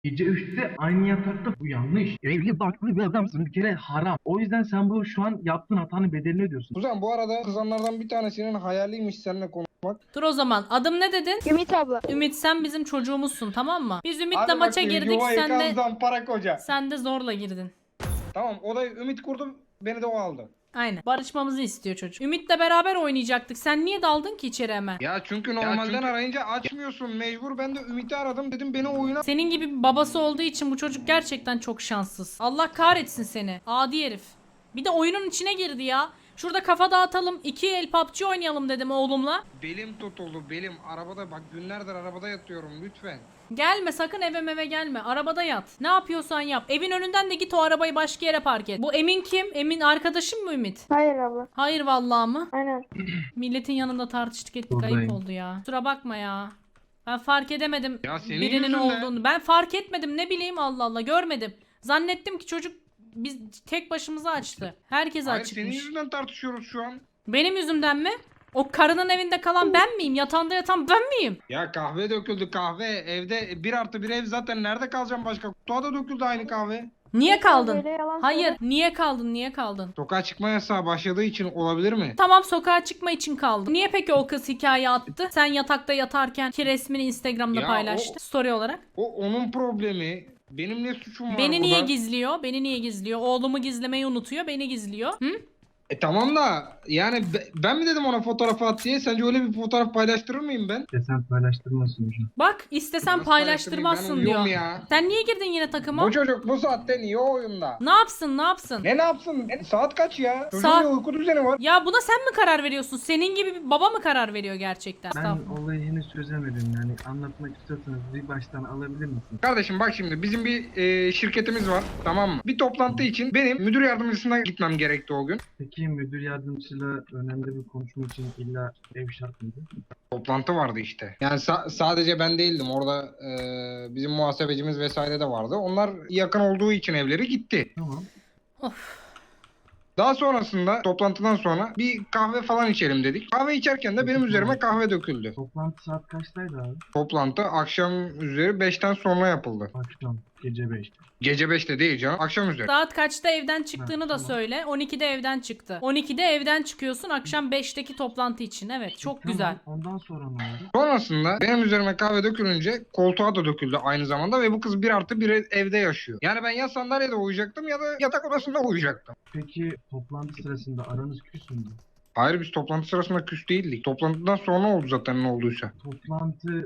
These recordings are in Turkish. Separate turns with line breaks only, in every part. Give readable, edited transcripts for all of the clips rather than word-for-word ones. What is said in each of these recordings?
Gece 3'te aynı yatakta bu yanlış. Evli barklı bir adamsın bir kere haram. O yüzden sen bu şu an yaptığın hatanın bedelini ödüyorsun.
Kuzen bu arada kızanlardan bir tanesinin hayaliymiş seninle konuşmak.
Dur o zaman. Adım ne dedin?
Ümit abla.
Ümit, sen bizim çocuğumuzsun, tamam mı? Biz Ümit'le
Hadi
maça
bakayım
girdik.
yuva yıkan
Sen de
zampara koca.
zorla girdin.
Tamam odayı Ümit kurdu, beni de o aldı.
Aynen. Barışmamızı istiyor çocuk. Ümit'le beraber oynayacaktık. Sen niye daldın ki içeri hemen?
Ya çünkü normalden arayınca açmıyorsun, mecbur ben de Ümit'i aradım, dedim beni oyuna.
Senin gibi bir babası olduğu için bu çocuk gerçekten çok şanssız. Allah kahretsin seni. Adi herif. Bir de oyunun içine girdi ya. Şurada kafa dağıtalım. 2 el PUBG oynayalım dedim oğlumla.
Belim tutuldu, belim arabada, bak günlerdir arabada yatıyorum, lütfen.
Gelme sakın, eve gelme. Arabada yat. Ne yapıyorsan yap. Evin önünden de git, o arabayı başka yere park et. Bu Emin kim? Emin arkadaşın mı Ümit?
Hayır abla.
Hayır vallahi mı?
Aynen.
Milletin yanında tartıştık ettik.
Buradayım.
Ayıp oldu ya. Kusura bakma ya. Ben fark edemedim
Ya senin
birinin
yüzünden.
olduğunu. Ben fark etmedim, ne bileyim, Allah Allah, görmedim. Zannettim ki çocuk biz tek başımıza açtı. Herkes
Hayır senin
açıkmış.
yüzünden tartışıyoruz şu an.
Benim yüzümden mi? O karının evinde kalan ben miyim? Yatağında yatan ben miyim?
Ya kahve döküldü, kahve evde 1+1 ev, zaten nerede kalacağım başka? Kutuğa da döküldü aynı kahve.
Niye kaldın?
Böyle yalan
Hayır,
söyle.
niye kaldın?
Sokağa çıkma yasağı başladığı için olabilir mi?
Tamam, sokağa çıkma için kaldım. Niye peki o kız hikaye attı? Sen yatakta yatarken ki resmini Instagram'da
Ya
paylaştı. Story olarak.
O onun problemi. Benim ne suçum var
Beni
burada?
niye gizliyor? Beni niye gizliyor? Oğlumu gizlemeyi unutuyor, beni gizliyor. Hı?
Tamam da yani ben mi dedim ona fotoğrafı at diye? Sence öyle bir fotoğraf paylaştırır mıyım ben?
Desen paylaştırmasın hocam.
Bak, istesen
Nasıl
paylaştırmazsın
paylaştırmayayım? Ben
diyor.
uyuyorum ya.
Sen niye girdin yine takıma?
Bu çocuk bu saatte niye oyunda?
Ne yapsın, ne yapsın?
Ne yapsın? Saat kaç ya? Çocuğun
Saat-
bir uyku düzeni var.
Ya buna sen mi karar veriyorsun? Senin gibi bir baba mı karar veriyor gerçekten?
Ben
Estağfurullah.
olayı henüz çözemedim yani anlatmak istiyorsanız bir baştan alabilir misin?
Kardeşim bak şimdi bizim bir şirketimiz var, tamam mı? Bir toplantı için benim müdür yardımcısına gitmem gerekti o gün.
Peki müdür yardımcısıyla önemli bir konuşma için illa ev şart mıydı?
Toplantı vardı işte. Yani sadece ben değildim. Orada bizim muhasebecimiz vesaire de vardı. Onlar yakın olduğu için evleri gitti.
Tamam.
Of.
Daha sonrasında toplantıdan sonra bir kahve falan içelim dedik. Kahve içerken de benim üzerime kahve döküldü.
Toplantı saat kaçtaydı abi?
Toplantı akşam üzeri 5'ten sonra yapıldı.
Akşam gece 5'te.
Gece 5'te değil canım. Akşam üzeri.
Saat kaçta evden çıktığını
Ha,
da
tamam.
söyle. 12'de evden çıktı. 12'de evden çıkıyorsun akşam 5'teki toplantı için. Evet, çok
Tamam,
güzel.
ondan sonra ne oldu?
Sonrasında benim üzerime kahve dökülünce koltuğa da döküldü aynı zamanda ve bu kız 1+1 evde yaşıyor. Yani ben ya sandalyede uyuyacaktım ya da yatak odasında uyuyacaktım.
Peki toplantı sırasında aranız küs müydü?
Hayır biz toplantı sırasında küs değildik. Toplantıdan sonra oldu zaten ne olduysa.
Toplantı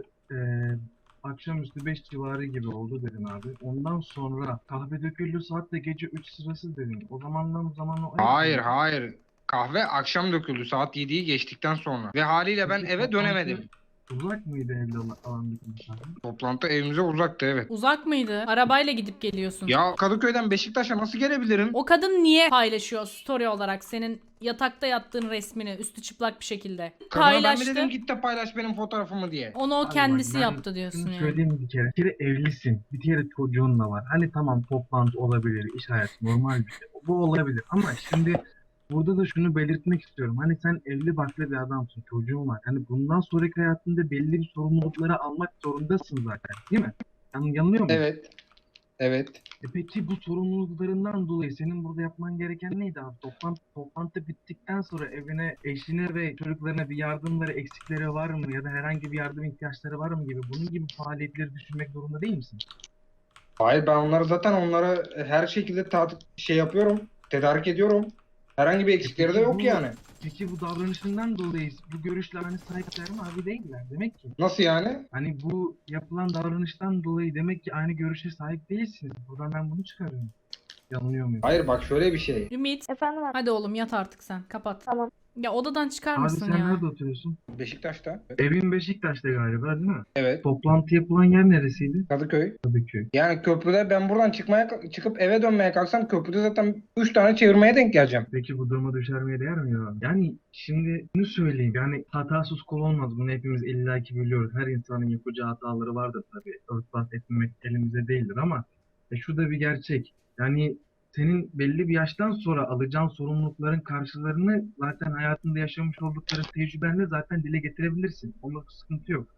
akşamüstü 5 civarı gibi oldu dedin abi. Ondan sonra kahve döküldü saat de gece 3 sırası dedin. O zamandan zamanla...
Hayır hayır. Kahve akşam döküldü saat 7'yi geçtikten sonra. Ve haliyle ben
Peki
eve
toplantı
dönemedim.
Uzak mıydı evde alan bitmiş abi?
Toplantı evimize uzaktı evet.
Uzak mıydı? Arabayla gidip geliyorsun.
Ya Kadıköy'den Beşiktaş'a nasıl gelebilirim?
O kadın niye paylaşıyor story olarak senin yatakta yattığın resmini üstü çıplak bir şekilde?
Kadına ben mi
Paylaştı.
dedim git de paylaş benim fotoğrafımı diye.
Onu o
Abi
kendisi
bak, ben
yaptı diyorsun
şunu
yani.
söyleyeyim bir kere. Bir kere evlisin. Bir kere çocuğun da var. Hani tamam toplantı olabilir, iş hayatı normal bir şey. Bu olabilir ama şimdi burada da şunu belirtmek istiyorum. Hani sen evli barklı bir adamsın, çocuğun var. Hani bundan sonraki hayatında belli bir sorumlulukları almak zorundasın zaten, değil mi? Yanılıyor muyum?
Evet. Evet.
Peki bu sorumluluklarından dolayı senin burada yapman gereken neydi abi? Toplantı bittikten sonra evine, eşine ve çocuklarına bir yardımları, eksikleri var mı? Ya da herhangi bir yardım ihtiyaçları var mı gibi bunun gibi faaliyetleri düşünmek zorunda değil misin?
Hayır ben onlara her şekilde şey yapıyorum. Tedarik ediyorum. Herhangi bir eksikleri de
Peki
yok
bu-
yani.
Peki bu davranışından dolayı bu görüşler hani sahipler mi abi değiller demek ki.
Nasıl yani?
Hani bu yapılan davranıştan dolayı demek ki aynı görüşe sahip değilsiniz. Buradan ben bunu çıkarıyorum. Yanılıyor muyum?
Hayır bak şöyle bir şey.
Ümit,
Efendim abi.
hadi oğlum yat artık sen. Kapat.
Tamam.
Ya odadan çıkar
Abi
mısın
sen
ya?
nerede oturuyorsun?
Beşiktaş'ta.
Evin Beşiktaş'ta galiba değil mi?
Evet.
Toplantı yapılan yer neresiydi?
Kadıköy.
Kadıköy.
Yani köprüde ben buradan çıkıp eve dönmeye kalksam köprüde zaten 3 tane çevirmeye denk geleceğim.
Peki bu duruma düşermeye değer mi ya? Yani şimdi şunu söyleyeyim. Yani hatasız kul olmaz. Bunu hepimiz illaki biliyoruz. Her insanın yapacağı hataları vardır tabii. Örtbas etmemek elimizde değildir ama şu da bir gerçek. Yani senin belli bir yaştan sonra alacağın sorumlulukların karşılarını zaten hayatında yaşamış oldukları tecrübenle zaten dile getirebilirsin. Onda sıkıntı yok.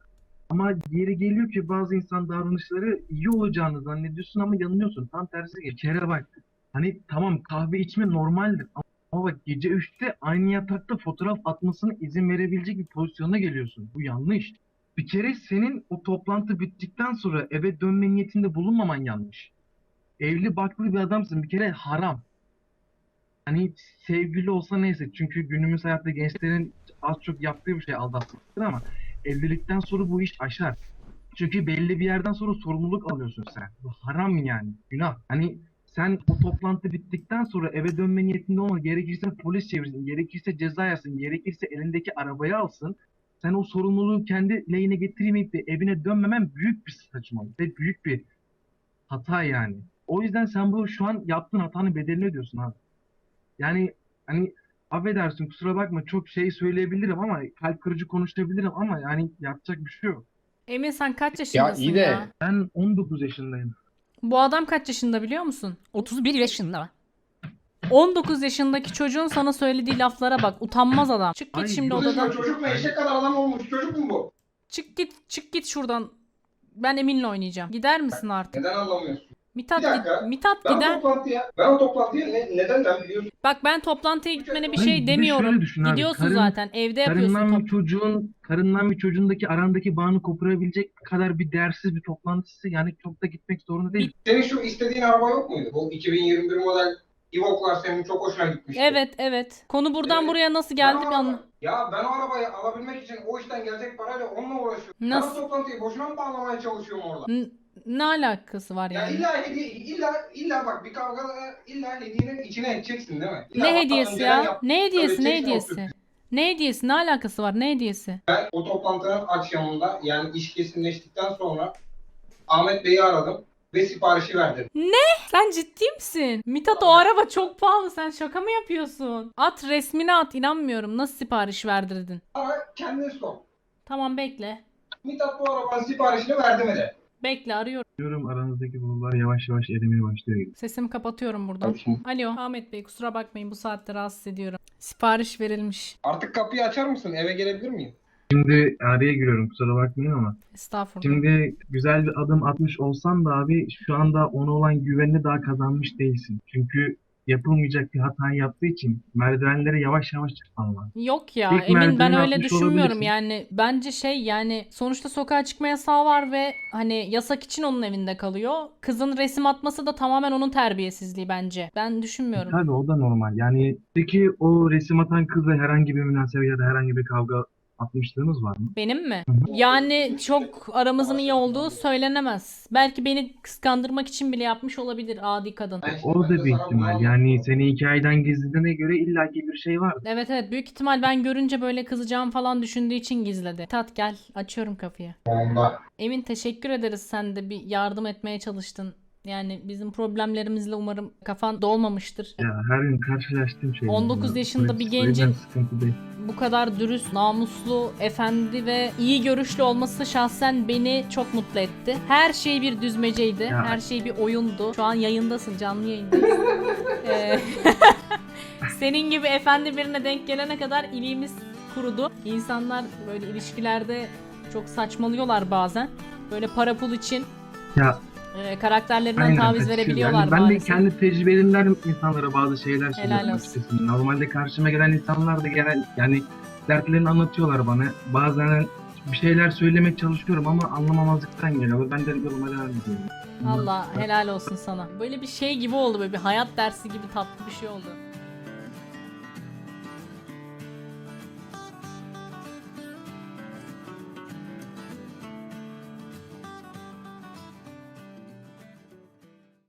Ama yeri geliyor ki bazı insan davranışları iyi olacağını zannediyorsun ama yanılıyorsun. Tam tersi bir kere bak. Hani tamam kahve içme normaldir ama bak gece 3'te aynı yatakta fotoğraf atmasına izin verebilecek bir pozisyona geliyorsun. Bu yanlış. Bir kere senin o toplantı bittikten sonra eve dönme niyetinde bulunmaman yanlış. Evli barklı bir adamsın. Bir kere haram. Hani sevgili olsa neyse. Çünkü günümüz hayatta gençlerin az çok yaptığı bir şey aldatmaktır ama evlilikten sonra bu iş aşar. Çünkü belli bir yerden sonra sorumluluk alıyorsun sen. Bu haram yani. Günah. Hani sen o toplantı bittikten sonra eve dönme niyetinde olma. Gerekirse polis çevirsin. Gerekirse ceza yazsın. Gerekirse elindeki arabayı alsın. Sen o sorumluluğu kendi lehine getirmeyip de evine dönmemen büyük bir saçmalık ve büyük bir hata yani. O yüzden sen bu şu an yaptığın hatanın bedelini ödüyorsun abi. Yani hani affedersin kusura bakma çok şey söyleyebilirim ama kalp kırıcı konuşabilirim ama yani yapacak bir şey yok.
Emin sen kaç
Ya
yaşındasın
iyi de
ya?
Ben 19 yaşındayım.
Bu adam kaç yaşında biliyor musun?
31 yaşında.
19 yaşındaki çocuğun sana söylediği laflara bak. Utanmaz adam. Çık git
Ay,
şimdi
bu
odadan.
çocuk mu? Eşek kadar adam olmuş. Çocuk mu bu?
Çık git şuradan. Ben Emin'le oynayacağım. Gider misin artık?
Neden anlamıyorsun?
Mithat,
Bir dakika.
Mithat
Ben
gider.
o toplantıya neden biliyorsun?
Bak ben toplantıya gitmene bir
Hayır,
şey
bir de
demiyorum.
şöyle düşün abi,
Gidiyorsun zaten. Evde yapıyorsun
Karından bir çocuğundaki arandaki bağını koparabilecek kadar bir değersiz bir toplantısı yani çok da gitmek zorunda değil.
Senin şu istediğin araba yok muydu? Bu 2021 model Evoque'lar senin çok hoşuna gitmişti.
Evet. Konu buradan
Evet.
buraya nasıl geldi bir anla.
Ya ben o arabayı alabilmek için o işten gelecek parayla onunla uğraşıyorum.
Nasıl?
Ben o toplantıyı boşuna mı bağlamaya çalışıyorum orada?
Ne alakası var
Ya
yani?
illa bak bir kavgada illa hediyenin içine edeceksin değil mi? İlla
Ne
hatta
hediyesi
önceden
ya? Ne hediyesi? Ne
ödeyeceksin o
hediyesi?
sürprizi.
Ne hediyesi? Ne alakası var? Ne hediyesi?
Ben o toplantının akşamında yani iş kesinleştikten sonra Ahmet Bey'i aradım ve siparişi verdim.
Sen ciddi misin? Mithat o araba çok pahalı. Sen şaka mı yapıyorsun? At resmini at. İnanmıyorum. Nasıl sipariş verdirdin?
Ara kendin sor.
Tamam bekle.
Mithat bu arabanın siparişini verdi mi de?
Bekle arıyorum.
Diyorum aranızdaki bulutlar yavaş yavaş erimeye başlıyor gibi.
Sesimi kapatıyorum buradan.
Tabii şimdi.
Alo Ahmet Bey kusura bakmayın bu saatte rahatsız ediyorum. Sipariş verilmiş.
Artık kapıyı açar mısın? Eve gelebilir miyim?
Şimdi araya giriyorum kusura bakmayın ama.
Estağfurullah.
Şimdi güzel bir adım atmış olsan da abi şu anda ona olan güvenini daha kazanmış değilsin. Çünkü yapılmayacak bir hatayı yaptığı için merdivenlere yavaş yavaş çıkman lazım.
Yok ya
İlk
Emin ben
merdiveni
öyle
atmış
düşünmüyorum
olabilirsin.
yani bence yani sonuçta sokağa çıkma yasağı var ve hani yasak için onun evinde kalıyor. Kızın resim atması da tamamen onun terbiyesizliği bence. Ben düşünmüyorum.
Tabii o da normal. Yani peki o resim atan kızla herhangi bir münasebet ya da herhangi bir kavga atmışlığınız var mı?
Benim mi?
Hı hı.
Yani çok aramızın iyi olduğu söylenemez. Belki beni kıskandırmak için bile yapmış olabilir adi kadın.
O da bir ihtimal. Yani seni hikayeden gizlediğine göre illaki bir şey var.
Evet büyük ihtimal ben görünce böyle kızacağım falan düşündüğü için gizledi. Tat gel açıyorum kapıyı.
Onda.
Emin teşekkür ederiz sen de bir yardım etmeye çalıştın. Yani bizim problemlerimizle umarım kafan dolmamıştır.
Ya her gün karşılaştığım şey.
19 yaşında bir gencin
sıkıntı değil.
bu kadar dürüst, namuslu, efendi ve iyi görüşlü olması şahsen beni çok mutlu etti. Her şey bir düzmeceydi.
Ya.
Her şey bir oyundu. Şu an yayındasın, canlı yayındayız. Ee, Senin gibi efendi birine denk gelene kadar iliğimiz kurudu. İnsanlar böyle ilişkilerde çok saçmalıyorlar bazen. Böyle para pul için
Ya
karakterlerinden
aynen,
taviz
kaçışıyor.
verebiliyorlar
Yani ben de
maalesef.
kendi tecrübelerimden insanlara bazı şeyler
Helal
söylüyorum
olsun.
açıkçası. Normalde karşıma gelen insanlar da genel yani dertlerini anlatıyorlar bana. Bazen bir şeyler söylemeye çalışıyorum ama anlamamazlıktan geliyor. Ben de yoluma devam ediyorum.
Allah helal olsun sana. Böyle bir şey gibi oldu, böyle bir hayat dersi gibi tatlı bir şey oldu.